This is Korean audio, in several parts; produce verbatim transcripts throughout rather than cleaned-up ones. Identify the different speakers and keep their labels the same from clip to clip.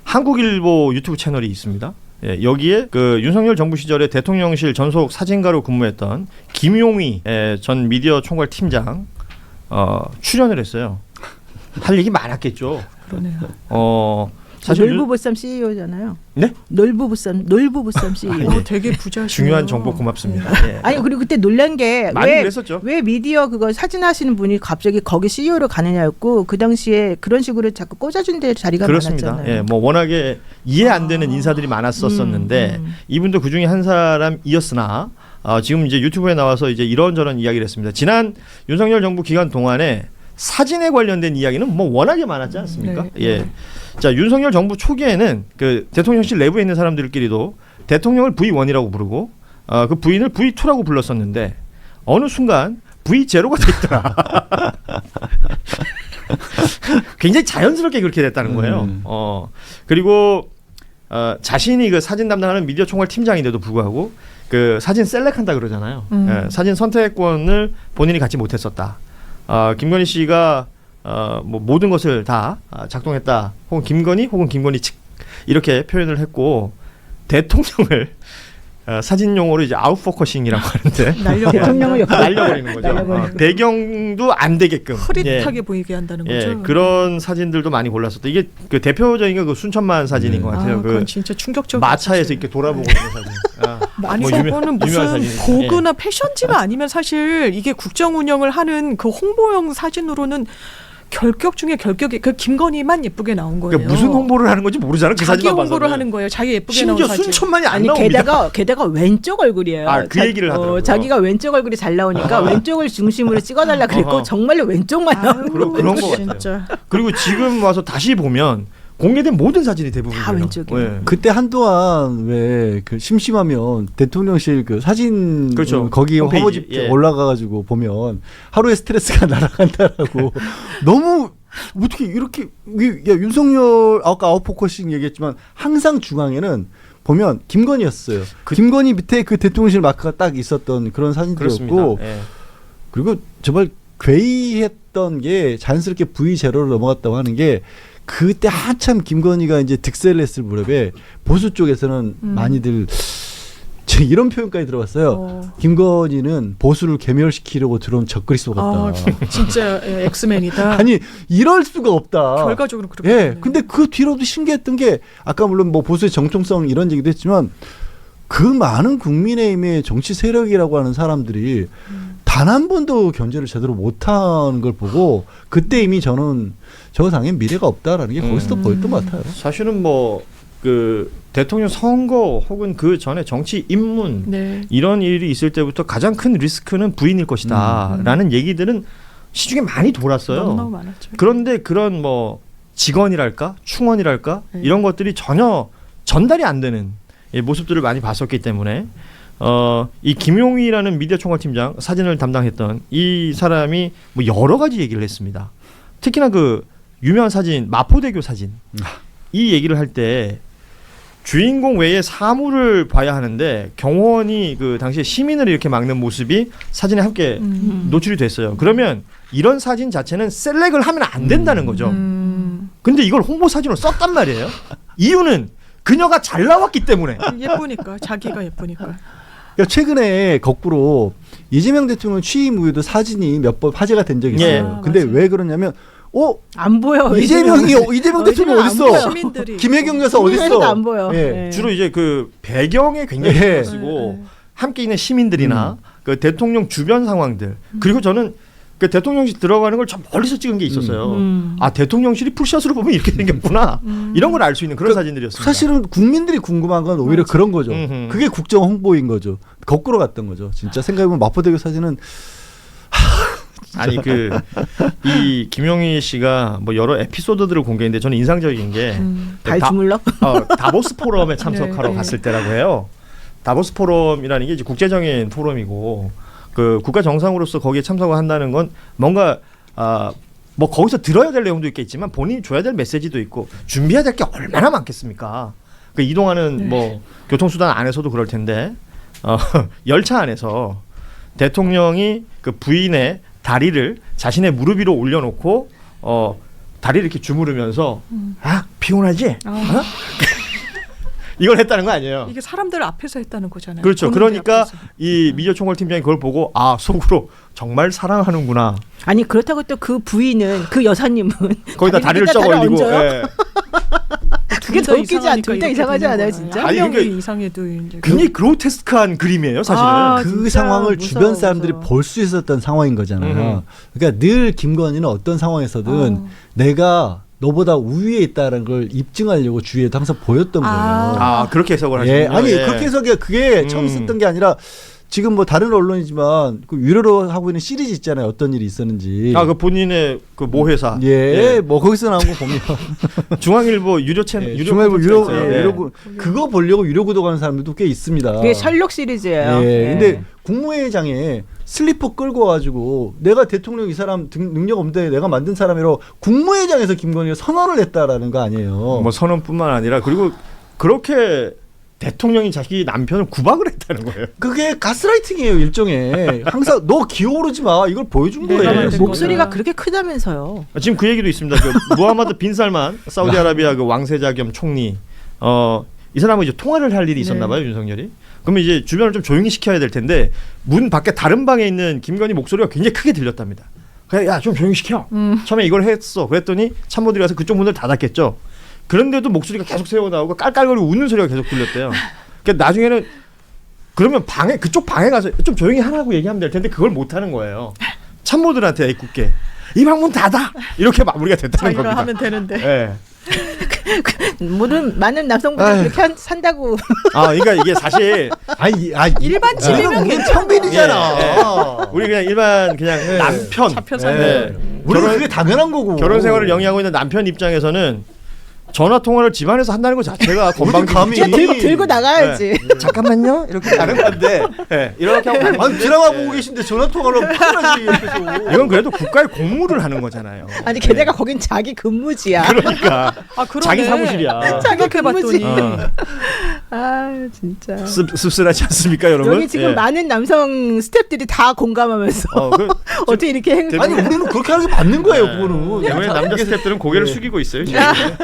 Speaker 1: 한국일보 유튜브 채널이 있습니다. 예, 여기에 그 윤석열 정부 시절에 대통령실 전속 사진가로 근무했던 김용희 전 미디어 총괄 팀장 어, 출연을 했어요. 할 얘기 많았겠죠.
Speaker 2: 그러네요.
Speaker 1: 어, 사실
Speaker 3: 놀부보쌈 씨이오잖아요.
Speaker 1: 네?
Speaker 3: 놀부보쌈 놀부보쌈 씨이오.
Speaker 1: 아, 예.
Speaker 2: 되게 부자시네요.
Speaker 1: 중요한 정보 고맙습니다. 예.
Speaker 3: 아니 그리고 그때 놀란 게
Speaker 1: 많이
Speaker 3: 왜
Speaker 1: 그랬었죠.
Speaker 3: 왜 미디어 그거 사진 하시는 분이 갑자기 거기 씨이오로 가느냐였고 그 당시에 그런 식으로 자꾸 꽂아준 데 자리가
Speaker 1: 그렇습니다.
Speaker 3: 많았잖아요.
Speaker 1: 예, 뭐 워낙에 이해 안 되는
Speaker 2: 아.
Speaker 1: 인사들이 많았었었는데
Speaker 3: 음, 음.
Speaker 1: 이분도 그 중에 한 사람이었으나 어, 지금 이제 유튜브에 나와서 이제 이런저런 이야기를 했습니다. 지난 윤석열 정부 기간 동안에 사진에 관련된 이야기는 뭐 워낙에 많았지 않습니까?
Speaker 2: 네.
Speaker 1: 예. 자, 윤석열 정부 초기에는 그 대통령실 내부에 있는 사람들끼리도 대통령을 브이원이라고 부르고 어, 그 부인을 브이투라고 불렀었는데 어느 순간 브이제로가 됐더라. 굉장히 자연스럽게 그렇게 됐다는 거예요.
Speaker 4: 음.
Speaker 1: 어, 그리고 어, 자신이 그 사진 담당하는 미디어 총괄 팀장인데도 불구하고 그 사진 셀렉한다 그러잖아요.
Speaker 2: 음.
Speaker 1: 예, 사진 선택권을 본인이 갖지 못했었다. 어, 김건희 씨가 어, 뭐 모든 것을 다 작동했다. 혹은 김건희 혹은 김건희 측 이렇게 표현을 했고 대통령을 어, 사진 용어로 이제 아웃포커싱이라고 하는데
Speaker 2: 날려
Speaker 3: 대통령을 옆에
Speaker 1: 날려버리는 거죠.
Speaker 3: 날려버리는
Speaker 1: 어, 배경도 안 되게끔
Speaker 2: 흐릿하게
Speaker 1: 예.
Speaker 2: 보이게 한다는
Speaker 1: 예,
Speaker 2: 거죠.
Speaker 1: 그런 사진들도 많이 골랐었다. 이게 그 대표적인 게 그 순천만 사진인
Speaker 4: 네.
Speaker 1: 것 같아요.
Speaker 2: 아,
Speaker 1: 그
Speaker 2: 그건 진짜 충격적인
Speaker 1: 마차에서
Speaker 2: 사실.
Speaker 1: 이렇게 돌아보고 있는 사진. 아,
Speaker 2: 아니
Speaker 1: 뭐
Speaker 2: 저거는
Speaker 1: 유명-
Speaker 2: 무슨
Speaker 1: 유명한 사진이죠.
Speaker 2: 고그나 패션지가 아니면 사실 이게 국정 운영을 하는 그 홍보용 사진으로는 결격 중에 결격이 그 김건희만 예쁘게 나온 거예요.
Speaker 1: 그러니까 무슨 홍보를 하는 건지 모르잖아. 그
Speaker 2: 자기
Speaker 1: 사진만
Speaker 2: 홍보를
Speaker 1: 봐서는.
Speaker 2: 하는 거예요. 자기 예쁘게 나온
Speaker 1: 심지어
Speaker 2: 사진.
Speaker 1: 순천만이 안
Speaker 3: 아니
Speaker 1: 나옵니다.
Speaker 3: 게다가 게다가 왼쪽 얼굴이에요.
Speaker 1: 아, 그 얘기를 하더라고요.
Speaker 3: 자기가 왼쪽 얼굴이 잘 나오니까
Speaker 1: 어허.
Speaker 3: 왼쪽을 중심으로 찍어달라 그랬고
Speaker 1: 어허.
Speaker 3: 정말로 왼쪽만
Speaker 2: 아유,
Speaker 3: 나오는
Speaker 1: 그런- 그런 거 같아요.
Speaker 2: 진짜.
Speaker 1: 그리고 지금 와서 다시 보면 공개된 모든 사진이 대부분
Speaker 3: 다 왼쪽이에요.
Speaker 1: 예.
Speaker 4: 그때 한동안 왜 그 심심하면 대통령실 그 사진
Speaker 1: 그렇죠.
Speaker 4: 어, 거기
Speaker 1: 홈페이지,
Speaker 4: 화보집
Speaker 1: 예.
Speaker 4: 올라가가지고 보면 하루의 스트레스가 날아간다라고 너무 어떻게 이렇게 이- 야, 윤석열 아까 아웃포커싱 얘기했지만 항상 중앙에는 보면 김건희였어요.
Speaker 1: 그-
Speaker 4: 김건희 밑에 그 대통령실 마크가 딱 있었던 그런 사진들이었고
Speaker 1: 그렇습니다. 예.
Speaker 4: 그리고 정말 괴이했던 게 자연스럽게 브이 제로로 넘어갔다고 하는 게 그때 한참 김건희가 이제 득세를 했을 무렵에 보수 쪽에서는
Speaker 2: 음.
Speaker 4: 많이들 제 이런 표현까지 들어봤어요.
Speaker 2: 어.
Speaker 4: 김건희는 보수를 괴멸시키려고 들어온 적그리스도 같다.
Speaker 2: 아, 진짜 예, 엑스맨이다.
Speaker 4: 아니 이럴 수가 없다.
Speaker 2: 결과적으로 그렇게.
Speaker 4: 예.
Speaker 2: 됐네요.
Speaker 4: 근데 그 뒤로도 신기했던 게 아까 물론 뭐 보수의 정통성 이런 얘기도 했지만 그 많은 국민의힘의 정치 세력이라고 하는 사람들이
Speaker 2: 음.
Speaker 4: 단 한 번도 견제를 제대로 못하는 걸 보고 그때 이미 저는 저 당엔 미래가 없다라는 게 거기서도
Speaker 2: 음.
Speaker 4: 보였던 것 같아요.
Speaker 1: 사실은 뭐 그 대통령 선거 혹은 그 전에 정치 입문
Speaker 2: 네.
Speaker 1: 이런 일이 있을 때부터 가장 큰 리스크는 부인일 것이다라는
Speaker 2: 음.
Speaker 1: 얘기들은 시중에 많이 돌았어요.
Speaker 2: 너무너무 많았죠.
Speaker 1: 그런데 그런 뭐 직원이랄까 충원이랄까
Speaker 2: 네.
Speaker 1: 이런 것들이 전혀 전달이 안 되는 예, 모습들을 많이 봤었기 때문에 어, 이 김용희라는 미디어 총괄팀장 사진을 담당했던 이 사람이 뭐 여러 가지 얘기를 했습니다. 특히나 그 유명한 사진 마포대교 사진 이 얘기를 할 때 주인공 외에 사물을 봐야 하는데 경호원이 그 당시에 시민을 이렇게 막는 모습이 사진에 함께
Speaker 2: 음.
Speaker 1: 노출이 됐어요. 그러면 이런 사진 자체는 셀렉을 하면 안 된다는 거죠.
Speaker 2: 음.
Speaker 1: 근데 이걸 홍보 사진으로 썼단 말이에요. 이유는 그녀가 잘 나왔기 때문에.
Speaker 2: 예쁘니까 자기가 예쁘니까.
Speaker 4: 그러니까 최근에 거꾸로 이재명 대통령 취임 후에도 사진이 몇 번 화제가 된 적이 있어요.
Speaker 1: 예.
Speaker 2: 아,
Speaker 4: 근데
Speaker 2: 맞아요.
Speaker 4: 왜 그러냐면 어
Speaker 3: 안 보여.
Speaker 4: 이재명이 어, 이재명 대통령
Speaker 3: 안
Speaker 4: 어딨어?
Speaker 3: 보여.
Speaker 2: 시민들이
Speaker 4: 김혜경 여사
Speaker 3: 국민의힘도
Speaker 4: 어딨어?
Speaker 3: 안 보여.
Speaker 4: 예.
Speaker 3: 네.
Speaker 1: 주로 이제 그 배경에 굉장히
Speaker 4: 예.
Speaker 1: 신경 쓰고
Speaker 2: 네, 네.
Speaker 1: 함께 있는 시민들이나 그 대통령 주변 상황들 그리고 저는 그 대통령실 들어가는 걸 좀 멀리서 찍은 게 있었어요.
Speaker 3: 음.
Speaker 1: 아 대통령실이 풀샷으로 보면 이렇게 생겼구나.
Speaker 2: 음.
Speaker 1: 이런 걸 알 수 있는 그런
Speaker 4: 그러니까
Speaker 1: 사진들이었습니다.
Speaker 4: 사실은 국민들이 궁금한 건 오히려
Speaker 2: 맞아.
Speaker 4: 그런 거죠.
Speaker 1: 음흠.
Speaker 4: 그게 국정 홍보인 거죠. 거꾸로 갔던 거죠. 진짜 생각해보면 마포대교 사진은
Speaker 1: 아니 그 이 김용희 씨가 뭐 여러 에피소드들을 공개했는데 저는 인상적인 게
Speaker 2: 음.
Speaker 3: 발
Speaker 1: 다-
Speaker 3: 주물럭?
Speaker 1: 어, 다보스 포럼에 참석하러
Speaker 2: 네, 네.
Speaker 1: 갔을 때라고 해요. 다보스 포럼이라는 게 이제 국제적인 포럼이고 그 국가 정상으로서 거기에 참석을 한다는 건 뭔가 아, 뭐 거기서 들어야 될 내용도 있겠지만 본인이 줘야 될 메시지도 있고 준비해야 될 게 얼마나 많겠습니까? 그 이동하는
Speaker 2: 네.
Speaker 1: 뭐 교통수단 안에서도 그럴 텐데 어, 열차 안에서 대통령이 그 부인의 다리를 자신의 무릎 위로 올려놓고 어, 다리를 이렇게 주무르면서
Speaker 2: 음.
Speaker 1: 아 피곤하지?
Speaker 2: 아.
Speaker 1: 어? 이걸 했다는 거 아니에요.
Speaker 2: 이게 사람들 앞에서 했다는 거잖아요.
Speaker 1: 그렇죠.
Speaker 2: 본인들
Speaker 1: 그러니까
Speaker 2: 앞에서.
Speaker 1: 이 미디어 총괄 팀장이 그걸 보고 아 속으로 정말 사랑하는구나.
Speaker 3: 아니 그렇다고 또 그 부인은 그 여사님은
Speaker 1: 거기다 다리를 쩍
Speaker 3: 다리를
Speaker 1: 올리고.
Speaker 3: 얹어요?
Speaker 1: 예.
Speaker 3: 그게 더 웃기지 않? 둘 다
Speaker 2: 이렇게
Speaker 3: 이상하지
Speaker 2: 되는
Speaker 3: 않아요,
Speaker 2: 거야.
Speaker 3: 진짜?
Speaker 2: 한
Speaker 1: 아니,
Speaker 2: 명이
Speaker 1: 그게
Speaker 2: 이상해도 이제
Speaker 1: 굉장히 그로테스크한 그림이에요, 사실은.
Speaker 2: 아,
Speaker 4: 그
Speaker 2: 진짜
Speaker 4: 상황을
Speaker 2: 무서워,
Speaker 4: 주변 사람들이
Speaker 2: 무서워.
Speaker 4: 볼 수 있었던 상황인 거잖아요.
Speaker 1: 음.
Speaker 4: 그러니까 늘 김건희는 어떤 상황에서든
Speaker 2: 어.
Speaker 4: 내가 너보다 우위에 있다는 걸 입증하려고 주위에도 항상 보였던 거예요.
Speaker 2: 아.
Speaker 1: 아 그렇게 해석을 하시군요.
Speaker 4: 예, 아니
Speaker 1: 예.
Speaker 4: 그렇게 해서 그게 처음
Speaker 1: 음.
Speaker 4: 있었던 게 아니라 지금 뭐 다른 언론이지만 그 유료로 하고 있는 시리즈 있잖아요. 어떤 일이 있었는지.
Speaker 1: 아 그 본인의 그 모회사.
Speaker 4: 예, 뭐 거기서 나온 거 보면
Speaker 1: 중앙일보 유료 채널,
Speaker 4: 예,
Speaker 1: 유료
Speaker 4: 중앙일보 유료
Speaker 1: 콘텐츠가 있어요.
Speaker 4: 예,
Speaker 1: 예.
Speaker 4: 유료 구- 그거 보려고 유료 구독하는 사람들도 꽤 있습니다.
Speaker 3: 그게 셜록 시리즈예요.
Speaker 4: 예,
Speaker 3: 예.
Speaker 4: 근데 국무회의장에 슬리퍼 끌고 와가지고 내가 대통령 이 사람 등- 능력 없는데 내가 만든 사람이라고 국무회의장에서 김건희가 선언을 했다라는 거 아니에요.
Speaker 1: 뭐 선언뿐만 아니라 그리고 그렇게 대통령이 자기 남편을 구박을 했다는 거예요.
Speaker 4: 그게 가스라이팅이에요 일종의. 항상 너 기어오르지 마 이걸 보여준
Speaker 2: 내가
Speaker 4: 거예요.
Speaker 2: 만든
Speaker 3: 목소리가
Speaker 2: 거다.
Speaker 3: 그렇게 크다면서요.
Speaker 1: 지금 그 얘기도 있습니다. 그 무하마드 빈 살만 사우디아라비아 그 왕세자 겸 총리. 어, 이 사람은 이제 통화를 할 일이 있었나
Speaker 3: 네.
Speaker 1: 봐요, 윤석열이. 그러면 이제 주변을 좀 조용히 시켜야 될 텐데 문 밖에 다른 방에 있는 김건희 목소리가 굉장히 크게 들렸답니다. 그래, 야, 좀 조용히 시켜.
Speaker 2: 음.
Speaker 1: 처음에 이걸 했어. 그랬더니 참모들이 가서 그쪽 문을 닫았겠죠. 그런데도 목소리가 계속 새어 나오고 깔깔거리고 웃는 소리가 계속 들렸대요. 그러니까 나중에는 그러면 방에 그쪽 방에 가서 좀 조용히 하라고 얘기하면 될 텐데 그걸 못 하는 거예요. 참모들한테 애꿎게 이 방문 닫아 이렇게 마무리가 됐다는
Speaker 2: 자기가
Speaker 1: 겁니다.
Speaker 2: 하면 되는데.
Speaker 1: 예.
Speaker 3: 모든 많은 남성분들
Speaker 4: 아유.
Speaker 3: 그렇게 한, 산다고.
Speaker 1: 아, 그러니까 이게 사실
Speaker 4: 아니, 아,
Speaker 2: 일반 집이면
Speaker 4: 우리
Speaker 2: 괜찮아.
Speaker 4: 평민이잖아.
Speaker 1: 예, 예. 우리 그냥 일반 그냥
Speaker 4: 예.
Speaker 1: 남편
Speaker 2: 잡혀
Speaker 1: 예.
Speaker 2: 사는.
Speaker 4: 우리
Speaker 1: 결혼-
Speaker 4: 그게 당연한 거고.
Speaker 1: 결혼 생활을 영위하고 있는 남편 입장에서는 전화 통화를 집안에서 한다는 것 자체가 건방지.
Speaker 4: 감히.
Speaker 3: 진짜 들고, 들고 나가야지.
Speaker 1: 잠깐만요. 이렇게 가는 건데. 예, 이렇게 하고 가는
Speaker 4: 아니
Speaker 1: 건데.
Speaker 4: 드라마 보고 계신데 전화 통화로 큰일나지 옆에서.
Speaker 1: 이건 그래도 국가의 공무를 하는 거잖아요.
Speaker 3: 아니 게다가 거긴 자기 근무지야.
Speaker 1: 그러니까
Speaker 2: 아, 그러네.
Speaker 1: 자기 사무실이야.
Speaker 2: 생각해봤더니
Speaker 1: 어.
Speaker 3: 아 진짜.
Speaker 1: 씁, 씁쓸하지 않습니까, 여러분?
Speaker 3: 여기 지금
Speaker 1: 예.
Speaker 3: 많은 남성 스탭들이 다 공감하면서
Speaker 1: 어, 그,
Speaker 3: 어떻게 이렇게 행...
Speaker 4: 아니 우리는 그렇게 하는 게 맞는 거예요,
Speaker 1: 네.
Speaker 4: 그거는.
Speaker 1: 대부분의 남자 스태프들은 고개를
Speaker 4: 네.
Speaker 1: 숙이고 있어요. 지금.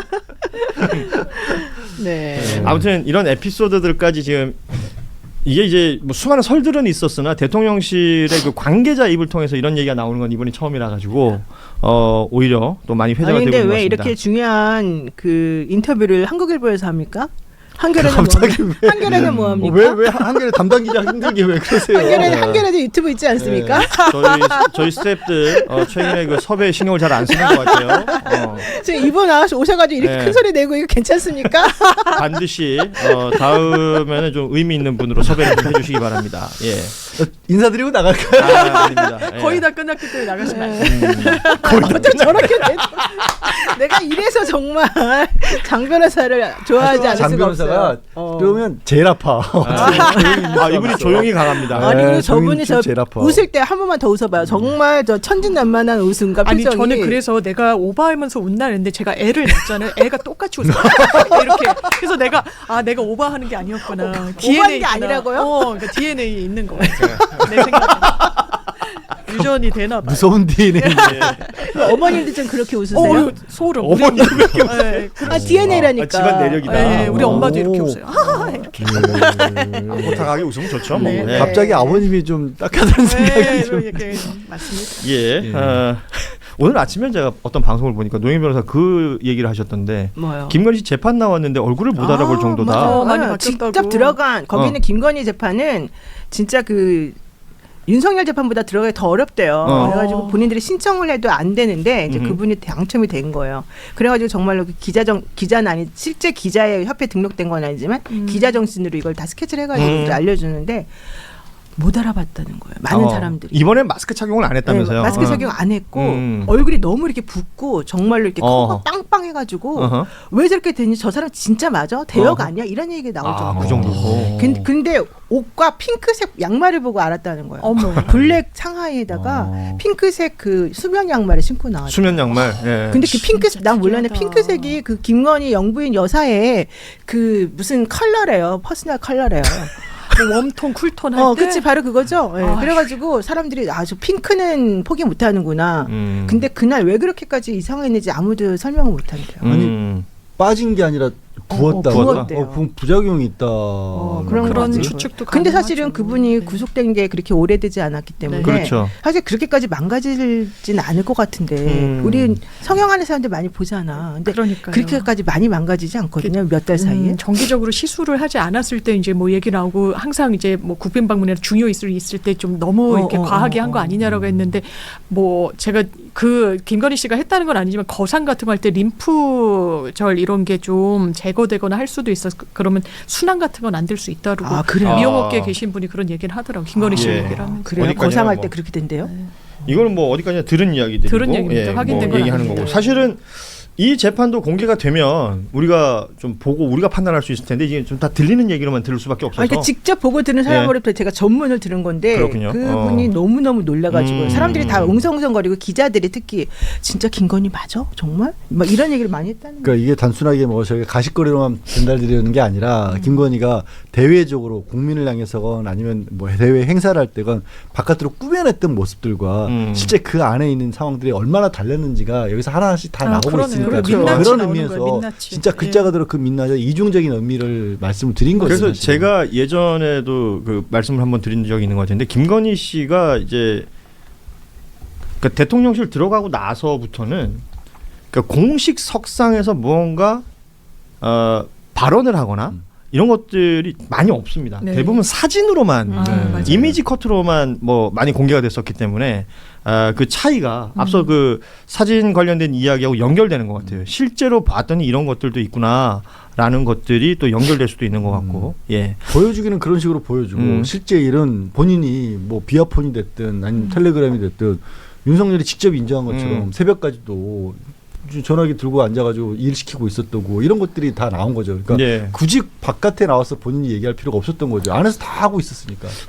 Speaker 3: 네.
Speaker 1: 아무튼 이런 에피소드들까지 지금 이게 이제 뭐 수많은 설들은 있었으나 대통령실의 그 관계자 입을 통해서 이런 얘기가 나오는 건 이번이 처음이라 가지고 어 오히려 또 많이 회자가
Speaker 3: 아니
Speaker 1: 되고
Speaker 3: 근데
Speaker 1: 있는 것
Speaker 3: 왜
Speaker 1: 같습니다.
Speaker 3: 이렇게 중요한 그 인터뷰를 한국일보에서 합니까? 한겨레는
Speaker 4: 갑자기
Speaker 3: 뭐
Speaker 4: 왜-
Speaker 3: 한겨레는 뭐 합니까?
Speaker 4: 왜왜 한겨레 담당 기자 힘들게 왜 그러세요?
Speaker 3: 한겨레는 한겨레도 유튜브 있지 않습니까?
Speaker 1: 저희 저희 스태프들 어, 최근에 그 섭외 신경을 잘 안 쓰는 것 같아요. 어,
Speaker 3: 지금 이번 나와서 오셔가지고 이렇게
Speaker 1: 네.
Speaker 3: 큰 소리 내고 이거 괜찮습니까?
Speaker 1: 반드시 어, 다음에는 좀 의미 있는 분으로 섭외를 좀 해주시기 바랍니다. 예.
Speaker 4: 어, 인사드리고 나갈까요?
Speaker 1: 아, 아닙니다. 예.
Speaker 2: 거의 다 끝났기 때문에 나가지 마세요.
Speaker 3: 어쩜 저렇게 돼? 내가 이래서 정말 장 변호사를 좋아하지 않을
Speaker 4: 장
Speaker 3: 수가
Speaker 4: 변호사가
Speaker 3: 없어요. 어.
Speaker 4: 그러면 제일 아파.
Speaker 1: 아, 이분이 조용히 강합니다.
Speaker 4: 네.
Speaker 3: 아니 그리고
Speaker 4: 조용히
Speaker 3: 저분이
Speaker 4: 좀
Speaker 3: 저
Speaker 4: 제일 아파.
Speaker 3: 웃을 때 한 번만 더 웃어봐요. 정말 저 천진난만한 웃음과
Speaker 2: 아니
Speaker 3: 표정이.
Speaker 2: 저는 그래서 내가 오바하면서 웃나 했는데 제가 애를 낳잖아요. 애가 똑같이 웃어요. 이렇게. 그래서 내가 아 내가 오바하는 게 아니었구나.
Speaker 3: 오바한
Speaker 2: 디엔에이
Speaker 3: 게 아니라고요?
Speaker 2: 어, 그러니까 디엔에이에 있는 거 같아요. 내 생각에. 유전이 되나 봐요.
Speaker 4: 무서운 디엔에이.
Speaker 3: 어머님도 좀 그렇게 웃으세요?
Speaker 2: 어, 소름. 우리
Speaker 1: 어머니
Speaker 2: 엄마. 네,
Speaker 3: 아 디엔에이라니까.
Speaker 1: 아, 집안 내력이다.
Speaker 2: 네, 우리
Speaker 4: 오.
Speaker 2: 엄마도 이렇게 웃어요. 아, 이렇게.
Speaker 1: 호탕하게 웃으면 좋죠. 뭐.
Speaker 2: 네.
Speaker 1: 예.
Speaker 4: 갑자기 아버님이 좀 딱하다는 생각이
Speaker 2: 네,
Speaker 4: 좀.
Speaker 2: 이렇게 맞습니다.
Speaker 1: 예.
Speaker 4: 예.
Speaker 1: 어, 오늘 아침에 제가 어떤 방송을 보니까 노영 변호사 그 얘기를 하셨던데
Speaker 3: 뭐요?
Speaker 1: 김건희 씨 재판 나왔는데 얼굴을 못 알아볼
Speaker 3: 아,
Speaker 1: 정도다.
Speaker 3: 맞아요.
Speaker 2: 어, 많이
Speaker 3: 아,
Speaker 2: 바뀌었다고.
Speaker 3: 직접 들어간 거기는
Speaker 1: 어.
Speaker 3: 김건희 재판은 진짜 그 윤석열 재판보다 들어가기 더 어렵대요.
Speaker 1: 어.
Speaker 3: 그래가지고 본인들이 신청을 해도 안 되는데 이제
Speaker 1: 음흠.
Speaker 3: 그분이 당첨이 된 거예요. 그래가지고 정말로 그 기자정 기자는 아니 실제 기자의 협회 등록된 건 아니지만
Speaker 2: 음.
Speaker 3: 기자 정신으로 이걸 다 스케치를 해가지고
Speaker 1: 음.
Speaker 3: 이제 알려주는데 못 알아봤다는 거예요. 많은
Speaker 1: 어,
Speaker 3: 사람들이.
Speaker 1: 이번엔 마스크 착용을 안 했다면서요.
Speaker 3: 네, 마스크
Speaker 1: 어.
Speaker 3: 착용 안 했고
Speaker 1: 음.
Speaker 3: 얼굴이 너무 이렇게 붓고 정말로 이렇게
Speaker 1: 어허.
Speaker 3: 코가 빵빵해가지고
Speaker 1: 어허.
Speaker 3: 왜 저렇게 되니 저 사람 진짜 맞아? 대역
Speaker 1: 어허.
Speaker 3: 아니야? 이런 얘기가 나올
Speaker 1: 아,
Speaker 3: 정도.
Speaker 1: 그 정도고.
Speaker 3: 근, 근데 옷과 핑크색 양말을 보고 알았다는 거예요.
Speaker 2: 어머.
Speaker 3: 블랙 상하이에다가
Speaker 4: 어.
Speaker 3: 핑크색 그 수면 양말을 신고 나왔어요.
Speaker 1: 수면 양말. 예.
Speaker 3: 근데 그 핑크색 난 몰랐는데
Speaker 2: 특이하다.
Speaker 3: 핑크색이 그 김건희 영부인 여사의 그 무슨 컬러래요. 퍼스널 컬러래요.
Speaker 2: 뭐 웜톤, 쿨톤 할
Speaker 3: 어,
Speaker 2: 때.
Speaker 3: 그치 바로 그거죠. 예.
Speaker 2: 아휴.
Speaker 3: 그래가지고 사람들이 아주 핑크는 포기 못하는구나.
Speaker 1: 음.
Speaker 3: 근데 그날 왜 그렇게까지 이상했는지 아무도 설명을 못한대요.
Speaker 1: 음.
Speaker 4: 빠진 게 아니라 부었다.
Speaker 3: 어, 부었대요.
Speaker 4: 어, 부- 부작용이 있다.
Speaker 3: 어, 그런
Speaker 2: 그런
Speaker 3: 거지.
Speaker 2: 추측도
Speaker 3: 근데
Speaker 2: 가능하죠.
Speaker 3: 사실은 그분이
Speaker 2: 네.
Speaker 3: 구속된 게 그렇게 오래되지 않았기 때문에
Speaker 2: 네.
Speaker 1: 그렇죠.
Speaker 3: 사실 그렇게까지 망가지진 않을 것 같은데
Speaker 1: 음.
Speaker 3: 우리 성형하는 사람들 많이 보잖아. 근데
Speaker 2: 그러니까요.
Speaker 3: 그렇게까지 많이 망가지지 않거든요. 몇 달 사이에.
Speaker 2: 음, 정기적으로 시술을 하지 않았을 때 이제 뭐 얘기 나오고 항상 이제 뭐 국빈 방문이나 중요 이술 있을 때 좀 너무
Speaker 3: 어,
Speaker 2: 이렇게
Speaker 3: 어,
Speaker 2: 과하게
Speaker 3: 어,
Speaker 2: 한 거
Speaker 3: 어.
Speaker 2: 아니냐라고 했는데 뭐 제가 그 김건희 씨가 했다는 건 아니지만 거상 같은 거 할 때 림프절 이런 게 좀 제거되거나 할 수도 있어. 그러면 순환 같은 건 안 될 수 있다고
Speaker 3: 아, 그래요?
Speaker 2: 미용업계에
Speaker 1: 아.
Speaker 2: 계신 분이 그런 얘기를 하더라고. 김건희 씨
Speaker 1: 예.
Speaker 2: 얘기를 하면서.
Speaker 3: 그래요?
Speaker 1: 어디까지나
Speaker 3: 거상할
Speaker 1: 뭐.
Speaker 3: 때 그렇게 된대요?
Speaker 1: 이거는 뭐 어디까지나 들은 이야기들이고
Speaker 2: 들은 얘기입니다. 확인된 건
Speaker 1: 얘기하는
Speaker 2: 아닙니다.
Speaker 1: 거고 사실은 이 재판도 공개가 되면 우리가 좀 보고 우리가 판단할 수 있을 텐데 이게 좀 다 들리는 얘기로만 들을 수밖에 없어서
Speaker 3: 아, 그러니까 직접 보고 들은 사람으로부터 제가 전문을 들은 건데
Speaker 1: 그렇군요.
Speaker 3: 그분이
Speaker 1: 어.
Speaker 3: 너무너무 놀라가지고
Speaker 1: 음.
Speaker 3: 사람들이 다 웅성웅성거리고 기자들이 특히 진짜 김건희 맞아? 정말? 막 이런 얘기를 많이 했다는 거예요.
Speaker 4: 그러니까 이게 단순하게 뭐 저희가 가십거리로만 전달드리는 게 아니라
Speaker 3: 음.
Speaker 4: 김건희가 대외적으로 국민을 향해서건 아니면 뭐 대외 행사를 할 때건 바깥으로 꾸며냈던 모습들과
Speaker 1: 음.
Speaker 4: 실제 그 안에 있는 상황들이 얼마나 달랐는지가 여기서 하나하나씩 다
Speaker 2: 아,
Speaker 4: 나오고
Speaker 2: 그러네요.
Speaker 4: 있으니까
Speaker 2: 그리고
Speaker 4: 그런
Speaker 2: 민낯이
Speaker 4: 그런
Speaker 2: 나오는
Speaker 4: 의미에서
Speaker 2: 거예요, 민낯이.
Speaker 4: 진짜
Speaker 2: 예.
Speaker 4: 글자 그대로 그 민낯의 이중적인 의미를 말씀을 드린 거죠.
Speaker 1: 그래서
Speaker 4: 사실은.
Speaker 1: 제가 예전에도 그 말씀을 한번 드린 적이 있는 것 같은데 김건희 씨가 이제 그 대통령실 들어가고 나서부터는 그 공식 석상에서 무언가 어, 발언을 하거나
Speaker 4: 음.
Speaker 1: 이런 것들이 많이 없습니다.
Speaker 2: 네.
Speaker 1: 대부분 사진으로만
Speaker 2: 아,
Speaker 4: 네.
Speaker 2: 맞아요.
Speaker 1: 이미지 컷으로만 뭐 많이 공개가 됐었기 때문에 아, 그 차이가
Speaker 2: 음.
Speaker 1: 앞서 그 사진 관련된 이야기하고 연결되는 것 같아요. 실제로 봤더니 이런 것들도 있구나라는 것들이 또 연결될 수도 있는 것 같고, 예,
Speaker 4: 보여주기는 그런 식으로 보여주고
Speaker 1: 음.
Speaker 4: 실제 일은 본인이 뭐 비아폰이 됐든 아니면 텔레그램이 됐든 윤석열이 직접 인정한 것처럼
Speaker 1: 음.
Speaker 4: 새벽까지도 전화기 들고 앉아가지고 일 시키고 있었다고 이런 것들이 다 나온 거죠. 그러니까
Speaker 1: 예.
Speaker 4: 굳이 바깥에 나와서 본인이 얘기할 필요가 없었던 거죠. 안에서 다 하고 있었으니까.